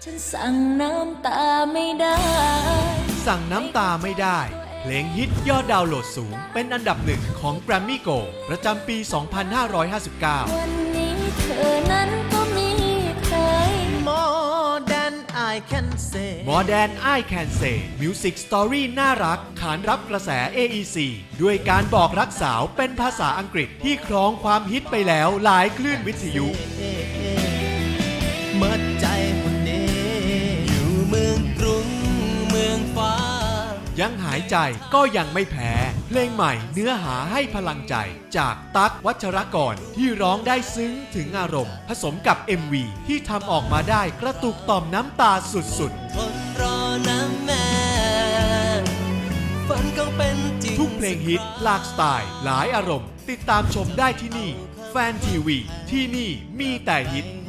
ฉันสั่งน้ำตาไม่ได้สั่งน้ำตาไม่ได้เพลงฮิตยอดดาวน์โหลดสูงเป็นอันดับหนึ่งของ Grammy Go ประจำปี 2559 วันนี้เธอนั้นก็มีใคร More than I can say More Than I Can Say Music Story น่ารักขานรับกระแส AEC ด้วยการบอกรักสาวเป็นภาษาอังกฤษที่ครองความฮิตไปแล้วหลายคลื่นวิทยุเมื่อใจคนนี้อยู่เมืองกรุงเมืองฟ้ายังหายใจก็ยังไม่แพ้ เพลงใหม่เนื้อหาให้พลังใจจากตั๊กวัชรกรที่ร้องได้ซึ้งถึงอารมณ์ผสมกับ MV ที่ทำออกมาได้กระตุกต่อมน้ำตาสุดๆทนรอนะแม่ฝันก็เป็นจริงทุกเพลงฮิตหลากสไตล์หลายอารมณ์ ติดตามชมได้ที่นี่ แฟนทีวีที่นี่มีแต่ฮิต